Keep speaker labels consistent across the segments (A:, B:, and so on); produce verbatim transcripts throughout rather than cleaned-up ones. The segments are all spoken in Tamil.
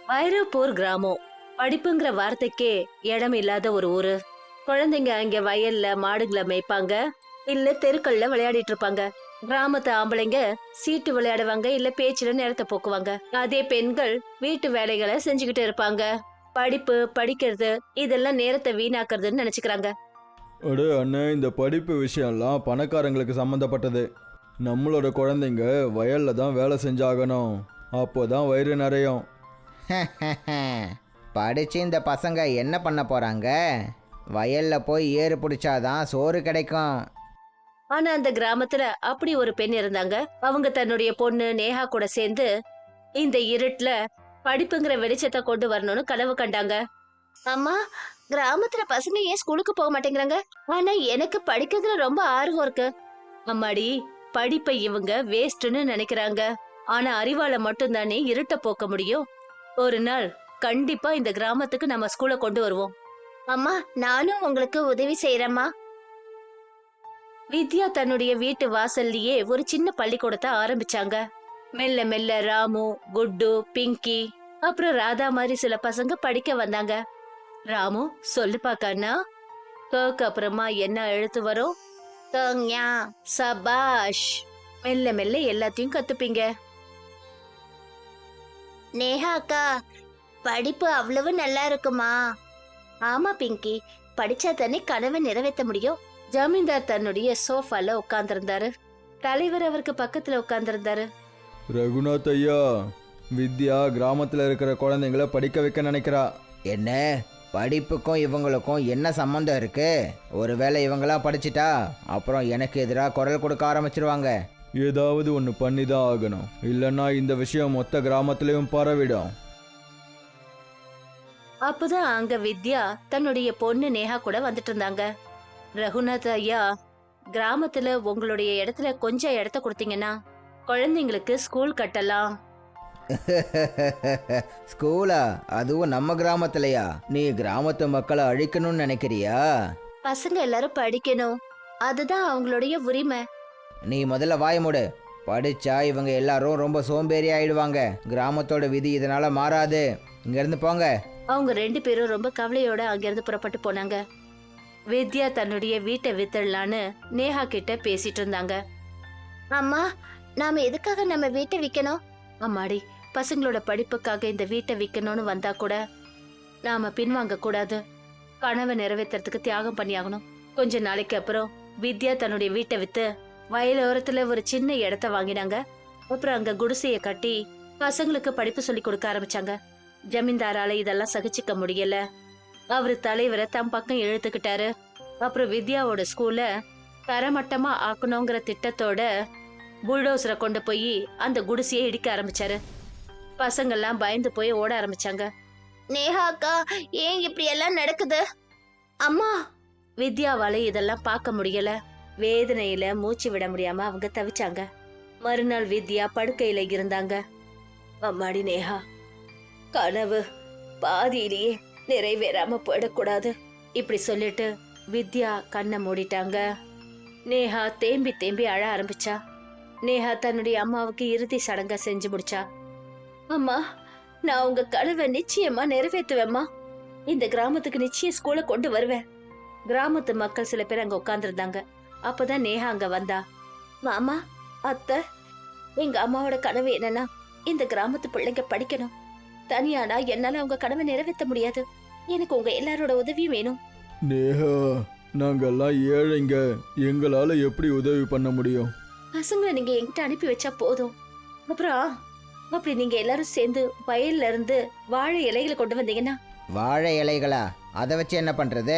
A: வைரப்பூர் கிராமம் படிப்புங்கிற வார்த்தைக்கே இடம் இல்லாத ஒரு ஊரு. குழந்தைங்க அங்க வயல்ல மாடுகளை மேய்ப்பாங்க, இல்ல தெருக்கள்ல விளையாடிட்டு இருப்பாங்க. கிராமத்து ஆம்பளைங்க சீட்டு விளையாடுவாங்க, இல்ல பேச்சுல நேரத்தை போக்குவாங்க. அதே பெண்கள் வீட்டு வேலைகளை செஞ்சுக்கிட்டு இருப்பாங்க. படிப்பு படிக்கிறது இதெல்லாம் நேரத்தை வீணாக்குறதுன்னு நினைச்சுக்கிறாங்க.
B: அடே அண்ணே, இந்த படிப்பு விஷயம்லாம் பணக்காரங்களுக்கு சம்மந்தப்பட்டது. நம்மளோட குழந்தைங்க வயல்ல தான் வேலை செஞ்சாகணும், அப்போதான் வயிறு நிறையும்.
C: படிச்சு இந்த பசங்க என்ன பண்ண போறாங்க? வயல்ல போய் ஏறு பிடிச்சாதான் சோறு கிடைக்கும்.
A: ஆனா அந்த கிராமத்துல அப்படி ஒரு பெண் இருந்தாங்க. அவங்க தன்னுடைய பொண்ணு நேஹா கூட சேர்ந்து இந்த இருட்டுல படிப்புங்கிற வெளிச்சத்தை கொண்டு வரணும்னு கனவு கண்டாங்க. அம்மா, கிராமத்துல பசங்க ஏன் ஸ்கூலுக்கு போக மாட்டேங்கிறாங்க? ஆனா எனக்கு படிக்கிறதுல ரொம்ப ஆர்வம் இருக்கு. அம்மாடி, படிப்பை இவங்க வேஸ்ட்னு நினைக்கிறாங்க. ஆனா அறிவால மட்டும் தானே இருட்ட போக்க முடியும். ஒரு நாள் கண்டிப்பா இந்த கிராமத்துக்கு நம்ம ஸ்கூலை கொண்டு வருவோம். அம்மா, நானும் உங்களுக்கு உதவி செய்யறேம்மா. வித்யா தன்னுடைய வீட்டு வாசல்லையே ஒரு சின்ன பள்ளிக்கூடத்தை ஆரம்பிச்சாங்க. மெல்ல மெல்ல ராமு, குட்டு, பிங்கி அப்புறம் ராதா மாதிரி சில பசங்க படிக்க வந்தாங்க. ராமு, சொல்லு பாக்கண்ணா. கக்கு அப்புறமா என்ன எழுத்து வரும்? கங்யா. சபாஷ். மெல்ல மெல்ல எல்லாத்தையும் கத்துப்பீங்க. நேஹா அக்கா, படிப்பு அவ்வளவு நல்லா இருக்குமா? ஆமா பிங்கி, படிச்சா தானே கனவை நிறைவேற்ற முடியும். ஜமீன்தார் தன்னுடைய சோஃபால உட்கார்ந்திருந்தாரு. தலைவர் அவருக்கு பக்கத்துல உட்கார்ந்திருந்தாரு.
B: ரகுநாத் ஐயா, வித்யா கிராமத்தில் இருக்கிற குழந்தைங்கள படிக்க வைக்க நினைக்கிறா.
C: என்ன, படிப்புக்கும் இவங்களுக்கும் என்ன சம்மந்தம் இருக்கு? ஒருவேளை இவங்களாம் படிச்சிட்டா அப்புறம் எனக்கு எதிராக குரல் கொடுக்க ஆரம்பிச்சிருவாங்க.
B: ஏதாவது ஒன்று பண்ணி தான் ஆகணும், இல்லைன்னா இந்த விஷயம் மொத்த கிராமத்திலையும் பரவிடும்.
A: அப்பதான் அங்க வித்யா தன்னுடைய பொண்ணு நேஹா கூட வந்துட்டு இருந்தாங்க. ரகுநாத் ஐயா, கிராமத்துல உங்களுடைய இடத்துல கொஞ்சம் இடத்த கொடுத்தீங்கன்னா குழந்தைங்களுக்கு ஸ்கூல் கட்டலாம்.
C: ஸ்கூலா? அதுவும் நம்ம கிராமத்துலயா? நீ கிராமத்து மக்களை அழிக்கணும்னு நினைக்கிறியா?
A: பசங்க எல்லாரும் படிக்கணும், அதுதான் அவங்களுடைய உரிமை.
C: நீ முதல்ல வாய் மூடு. படிச்சா இவங்க எல்லாரும் ரொம்ப சோம்பேறி ஆயிடுவாங்க. கிராமத்தோட விதி இதனால மாறாது. இங்க இருந்து போங்க.
A: அவங்க ரெண்டு பேரும் ரொம்ப கவலையோட அங்கிருந்து புறப்பட்டு போனாங்க. வித்யா தன்னுடைய வீட்டை வித்துடலான்னு நேஹா கிட்ட பேசிட்டு இருந்தாங்க. அம்மா, நாம எதுக்காக நம்ம வீட்டை விக்கணும்? அம்மாடி, பசங்களோட படிப்புக்காக இந்த வீட்டை விக்கணும்னு வந்தா கூட நாம பின்வாங்க கூடாது. கனவை நிறைவேற்றுறதுக்கு தியாகம் பண்ணியாகணும். கொஞ்ச நாளைக்கு அப்புறம் வித்யா தன்னுடைய வீட்டை வித்து வயலோரத்துல ஒரு சின்ன இடத்த வாங்கினாங்க. அப்புறம் அங்க குடிசைய கட்டி பசங்களுக்கு படிப்பு சொல்லி கொடுக்க ஆரம்பிச்சாங்க. ஜமீன்தாரால இதெல்லாம் சகிச்சுக்க முடியல. அவரு தலைவரை தம் பக்கம் இழுத்துக்கிட்டாரு. அப்புறம் வித்யாவோட ஸ்கூல்ல தரமட்டமா ஆக்கணுங்கிற திட்டத்தோட புல்டோசரை கொண்டு போய் அந்த குடிசையை இடிக்க ஆரம்பிச்சாரு. பசங்கள்லாம் பயந்து போய் ஓட ஆரம்பிச்சாங்க. நேஹா அக்கா, ஏன் இப்படி எல்லாம் நடக்குது? அம்மா, வித்யாவால இதெல்லாம் பார்க்க முடியல. வேதனையில மூச்சு விட முடியாம அவங்க தவிச்சாங்க. மறுநாள் வித்யா படுக்கையில இருந்தாங்க. அம்மாடி நேஹா, கனவு பாதியிலேயே நிறைவேறாம போயிடக்கூடாது. இப்படி சொல்லிட்டு வித்யா கண்ணை மூடிட்டாங்க. நேஹா தேம்பி தேம்பி அழ ஆரம்பிச்சா. நேஹா தன்னுடைய அம்மாவுக்கு இறுதி சடங்கா செஞ்சு முடிச்சா. அம்மா, நான் உங்க கனவை நிச்சயமா நிறைவேற்றுவேம்மா. இந்த கிராமத்துக்கு நிச்சயம் ஸ்கூலை கொண்டு வருவேன். கிராமத்து மக்கள் சில பேர் அங்க உட்கார்ந்துருந்தாங்க. அப்பதான் நேஹா அங்க வந்தா. மாமா, அத்தை, எங்க அம்மாவோட கனவு என்னன்னா இந்த கிராமத்து பிள்ளைங்க படிக்கணும். தனியானா என்னால உங்க கனவை நிறைவேற்ற முடியாது. எனக்கு உங்க எல்லாரோட உதவியும் வேணும்.
B: நேஹா, நாங்கெல்லாம் ஏழைங்க, எங்களால எப்படி உதவி பண்ண முடியும்?
A: பசங்களை நீங்க என்கிட்ட அனுப்பி வச்சா போதும். அப்புறம் அப்படி நீங்க எல்லாரும் சேர்ந்து வயல்ல இருந்து வாழை இலைகளை கொண்டு வந்தீங்கன்னா.
C: வாழை இலைகளா? அதை வச்சு என்ன பண்றது?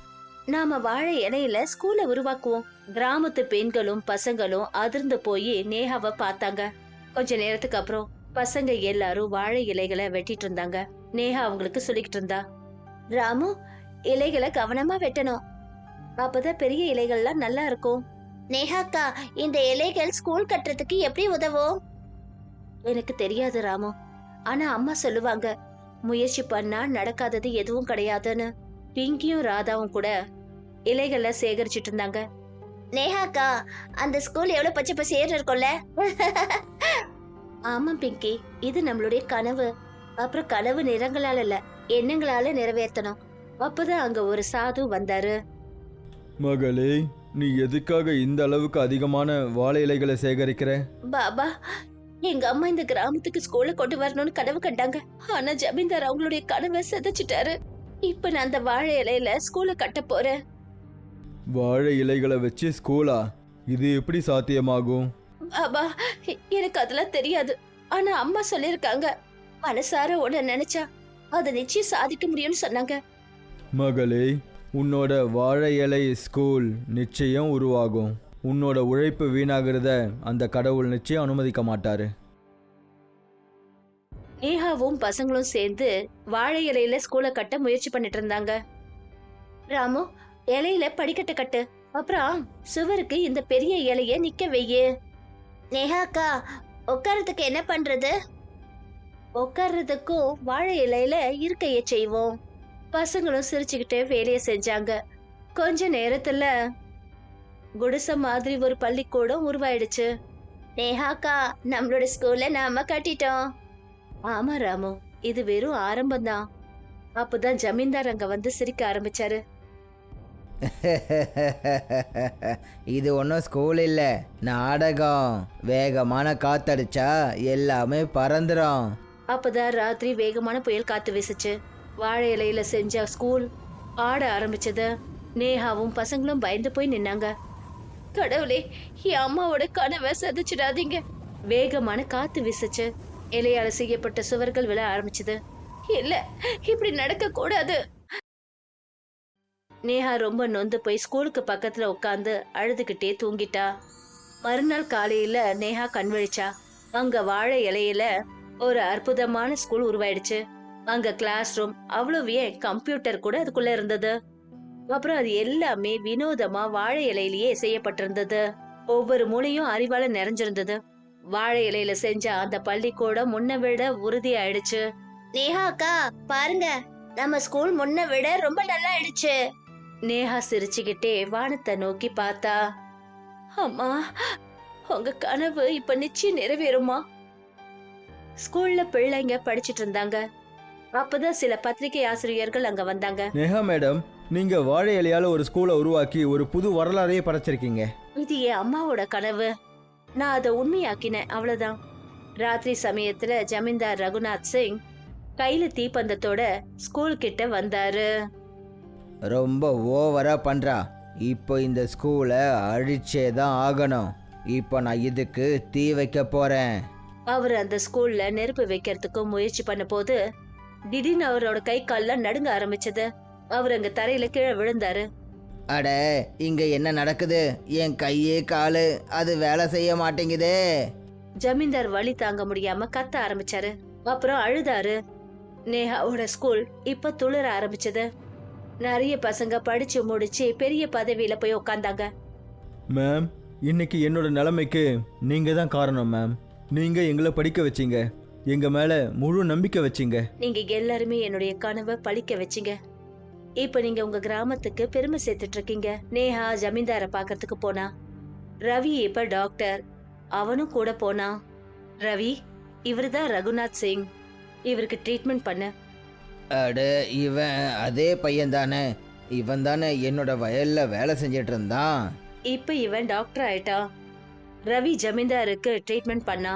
A: நாம வாழை இலையில ஸ்கூலை உருவாக்குவோம். கிராமத்து பெண்களும் பசங்களும் அதிர்ந்து போய் நேஹாவை பார்த்தாங்க. கொஞ்ச நேரத்துக்கு அப்புறம் பசங்க எல்லாரும் வாழை இலைகளை வெட்டிட்டு இருந்தாங்க. நேஹா அவங்களுக்கு சொல்லிக்கிட்டு இருந்தா. ராமு, இலைகளை கவனமா வெட்டணும், அப்பதான் பெரிய இலைகள்லாம் நல்லா இருக்கும். நேஹாக்கா, இந்த இலைகள் ஸ்கூல் கட்டுறதுக்கு எப்படி உதவும்? எனக்கு தெரியாது ராமு, ஆனா அம்மா சொல்லுவாங்க முயற்சி பண்ணா நடக்காதது எதுவும் கிடையாதுன்னு. பிங்கியும் ராதாவும் கூட இலைகளை சேகரிச்சிட்டு இருந்தாங்க. நேஹாக்கா, அந்த ஸ்கூல் எவ்வளவு பச்சை பசேர்னு இருக்கும்ல? ஆமா பிங்கி, இது நம்மளுடைய கனவு. அப்புறம் கனவு நிறங்களால இல்ல, எண்ணங்களால நிறைவேற்றணும். அப்பதான் அங்க ஒரு சாது வந்தாரு.
B: மகளே, நீ எதுக்காக இந்த அளவுக்கு அதிகமான வாழை இலைகளை சேகரிக்கிற?
A: பாபா, எங்க அம்மா இந்த கிராமத்துக்கு ஸ்கூல்ல கொண்டு வரணும்னு கனவு கண்டாங்க. ஆனா ஜமீன்தார் அவங்களுடைய கனவை சிதைச்சிட்டாரு. இப்ப நான் அந்த வாழை இலையில ஸ்கூல கட்ட போறேன்.
B: வாழை இலைகளை வச்சு ஸ்கூலா? இது எப்படி சாத்தியமாகும்?
A: பாபா, எ- எனக்கு அதெல்லாம் தெரியாது. ஆனா அம்மா சொல்லிருக்காங்க, மனசார உன்னை நினைச்சா அதை நிச்சயம் சாதிக்க முடியும்னு சொன்னாங்க.
B: மகளே, உன்னோட வாழை இலை ஸ்கூல் நிச்சயம் உருவாகும். உன்னோட உழைப்பு வீணாகிறத அந்த கடவுள் நிச்சயம் அனுமதிக்க மாட்டாரு.
A: நேஹாவும் பசங்களும் சேர்ந்து வாழை இலையில ஸ்கூலை கட்ட முயற்சி பண்ணிட்டு இருந்தாங்க. ராமு, இலையில படிக்கட்டு கட்டு, அப்புறம் சுவருக்கு இந்த பெரிய இலைய நிக்க வையு. நேஹாக்கா, உட்கார்றதுக்கு என்ன பண்றது? உட்கார்றதுக்கும் வாழை இலையில இருக்கைய செய்வோம். பசங்களும் சிரிச்சுக்கிட்டே வேலையை செஞ்சாங்க. கொஞ்ச நேரத்துல குடிசை மாதிரி ஒரு பள்ளிக்கூடம் உருவாயிடுச்சு. நேஹாக்கா, நம்மளோட ஸ்கூல்ல நாம கட்டிட்டோம். ஆமா ராமு, இது வெறும் ஆரம்பம்தான். அப்பதான் ஜமீன்தார் அங்க வந்து சிரிக்க ஆரம்பிச்சாரு.
C: இது ஒன்றும் ஸ்கூல் இல்லை, நாடகம். வேகமான காத்தடிச்சா எல்லாமே பறந்துடும்.
A: அப்பதான் ராத்திரி வேகமான புயல் காத்து வீசுச்சு. வாழை இலையில செஞ்ச ஸ்கூல் ஆட ஆரம்பிச்சது. நேஹாவும் பசங்களும் பயந்து போய் நின்னாங்க. கடவுளே, என் அம்மாவோட கனவை சதிச்சிடாதீங்க. வேகமான காத்து வீசுச்சு. இலையால செய்யப்பட்ட சுவர்கள் விழ ஆரம்பிச்சது. இல்ல, இப்படி நடக்க கூடாது. நேஹா ரொம்ப நொந்து போய் ஸ்கூலுக்கு பக்கத்துல உட்காந்து அழுதுகிட்டே தூங்கிட்டா. மறுநாள் காலையில நேஹா கண் விழிச்சா. அங்க வாழை இலையில ஒரு அற்புதமான ஸ்கூல் உருவாயிடுச்சு. அங்க கிளாஸ் ரூம், அவ்வளவு ஏன் கம்ப்யூட்டர் கூட அதுக்குள்ள இருந்தது. அப்புறம் அது எல்லாமே வினோதமா வாழை இலையிலேயே செய்யப்பட்டிருந்தது. ஒவ்வொரு மூலையும் அறிவால நிறைஞ்சிருந்தது. வாழை இலையில செஞ்ச அந்த பள்ளிக்கூடம் முன்ன விட உறுதி ஆயிடுச்சு. நேஹா அக்கா, பாருங்க, நம்ம ஸ்கூல் முன்ன விட ரொம்ப நல்லா ஆயிடுச்சு. நேஹா சிரிச்சுக்கிட்டே வானத்தை நோக்கி பார்த்தா. அம்மா, உங்க கனவு இப்ப நிச்சயம் நிறைவேறுமா? ஸ்கூல்ல பிள்ளைங்க படிச்சிட்டு இருந்தாங்க. அப்பதான் சில பத்திரிகை ஆசிரியர்கள் அங்க வந்தாங்க.
B: நேஹா மேடம், நீங்க வாழை இலையால ஒரு ஸ்கூலை உருவாக்கி ஒரு புது வரலாறையே படைச்சிருக்கீங்க.
A: இது என் அம்மாவோட கனவு. நான் அதை உண்மையாக்கினேன், அவ்வளவுதான். ராத்திரி சமயத்துல ஜமீன்தார் ரகுநாத் சிங் கையில தீப்பந்தத்தோட ஸ்கூல் கிட்ட வந்தாரு.
C: ரொம்ப ஓவரா பண்றா. இப்போ இந்த ஸ்கூலை அழிச்சே தான் ஆகணும். இப்போ நான் இதுக்கு தீ வைக்க போறேன்.
A: அவர் அந்த ஸ்கூல்ல நெருப்பு வைக்கிறதுக்கு முயற்சி பண்ண போது திடீர்னு அவரோட கை கால்லாம் நடுங்க ஆரம்பிச்சது. அவர் அங்க தரையில கீழே விழுந்தாரு.
C: அட, இங்க என்ன நடக்குது? என் கையே காலு அது வேலை செய்ய மாட்டேங்குதே.
A: ஜமீன்தார் வலி தாங்க முடியாம கத்த ஆரம்பிச்சாரு. அப்புறம் அழுதாரு. நேஹாவோட ஸ்கூல் இப்ப துளிர ஆரம்பிச்சது. நிறைய பசங்க படிச்சு முடிச்சு பெரிய பதவியில போய் உட்கார்ந்தாங்க.
B: மேம், இன்னைக்கு என்னோட நிலைமைக்கு நீங்க தான் காரணம் மேம். நீங்க எங்களை படிக்க வச்சீங்க, எங்க மேல முழு நம்பிக்கை வச்சீங்க.
A: நீங்க எல்லாருமே என்னுடைய கனவை பழிக்க வச்சீங்க. இப்ப நீங்க உங்க கிராமத்துக்கு பெருமை சேர்த்துட்டு இருக்கீங்க. நேஹா ஜமீன்தார பாக்கிறதுக்கு போனா. ரவி இப்ப டாக்டர், அவனும் கூட போனா. ரவி, இவருதான் ரகுநாத் சிங். இவருக்கு ட்ரீட்மெண்ட் பண்ண.
C: அட, இவன் அதே பையன் தானே? இவன் தானே என்னோட வயல்ல வேலை செஞ்சிட்டு இருந்தான்.
A: இப்ப இவன் டாக்டர் ஆயிட்டா. ரவி ஜமீன்தாருக்கு ட்ரீட்மெண்ட் பண்ணா.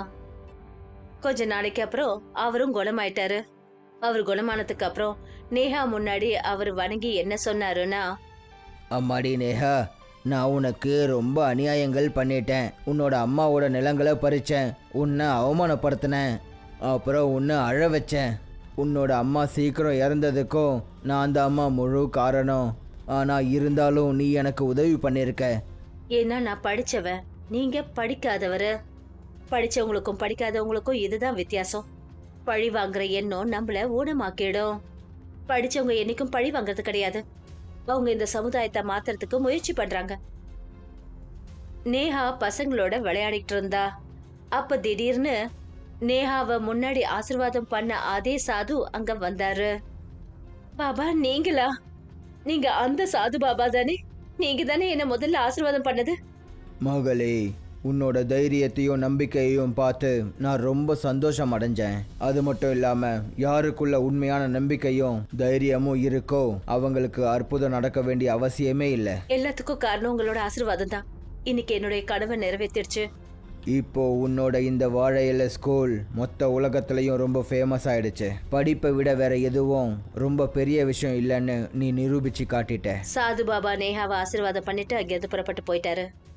A: கொஞ்ச நாளைக்கு அப்புறம் அவரும் குணமாயிட்டாரு. அவர் குணமானதுக்கு அப்புறம் நேஹா முன்னாடி அவர் வணங்கி என்ன சொன்னாருன்னா,
C: அம்மாடி நேஹா, நான் உனக்கு ரொம்ப அநியாயங்கள் பண்ணிட்டேன். உன்னோட அம்மாவோட நிலங்களை பறிச்சேன், உன்னை அவமானப்படுத்தினேன், அப்புறம் உன்னை அழ வச்சேன். உன்னோட அம்மா சீக்கிரம் இறந்ததுக்கும் நான் அந்த அம்மா முழு காரணம். ஆனால் இருந்தாலும் நீ எனக்கு உதவி பண்ணியிருக்க.
A: ஏன்னா நான் படிச்சவன், நீங்க படிக்காதவரு. படிச்சவங்களுக்கும் படிக்காதவங்களுக்கும் இதுதான் வித்தியாசம். பழி வாங்குற எண்ணம் நம்மள ஊனமாக்கிடும். படிச்சவங்க என்னைக்கும் பழி வாங்குறது கிடையாது. அவங்க இந்த சமுதாயத்தை மாத்துறதுக்கு முயற்சி பண்றாங்க. நேஹா பசங்களோட விளையாடிட்டு இருந்தா. அப்ப திடீர்னு நேஹாவை முன்னாடி ஆசீர்வாதம் பண்ண அதே சாது அங்க வந்தாரு. பாபா, நீங்களா? நீங்க அந்த சாது பாபா தானே? நீங்க தானே என்ன முதல்ல ஆசீர்வாதம் பண்ணது?
C: மகளே, உன்னோட தைரியத்தையும் நம்பிக்கையையும் பார்த்து நான் ரொம்ப சந்தோஷம் அடைஞ்சேன். அது மட்டும் இல்லாமல் யாருக்குள்ள உண்மையான நம்பிக்கையும் தைரியமும் இருக்கோ அவங்களுக்கு அற்புதம் நடக்க வேண்டிய அவசியமே இல்லை.
A: எல்லாத்துக்கும் காரணம் உங்களோட ஆசீர்வாதம் தான். இன்னைக்கு என்னுடைய கனவை நிறைவேற்றிருச்சு.
C: இப்போ உன்னோட இந்த வாழை இலை ஸ்கூல் மொத்த உலகத்துலேயும் ரொம்ப ஃபேமஸ் ஆயிடுச்சு. படிப்பை விட வேற எதுவும் ரொம்ப பெரிய விஷயம் இல்லைன்னு நீ நிரூபிச்சு காட்டிட்ட.
A: சாது பாபா நேஹாவை ஆசீர்வாதம் பண்ணிட்டு அங்கிருந்து புறப்பட்டு போயிட்டாரு.